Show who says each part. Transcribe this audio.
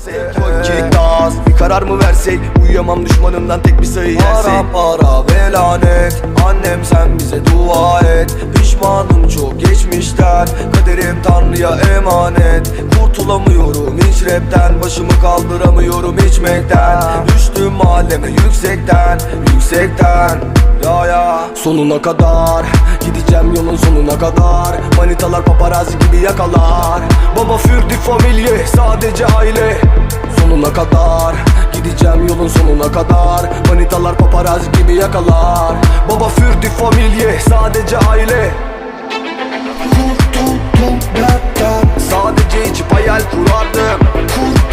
Speaker 1: Kicktas bir karar mı versek, uyuyamam düşmanımdan tek bir sayı yersek. Para ve lanet, annem sen bize dua et. Pişmanım çok geçmişten, kaderim Tanrı'ya emanet. Kurtulamıyorum hiç rapten, başımı kaldıramıyorum içmekten. Düştüm mahalleme yüksekten, yüksekten. Ya sonuna kadar gideceğim, yolun sonuna kadar. Manitalar paparazzi gibi yakalar. Baba für die Familie, sadece aile. Sonuna kadar gideceğim, yolun sonuna kadar. Manitalar paparazzi gibi yakalar. Baba für die Familie, sadece aile. Kurtuldum dertten, sadece içip hayal kurardım.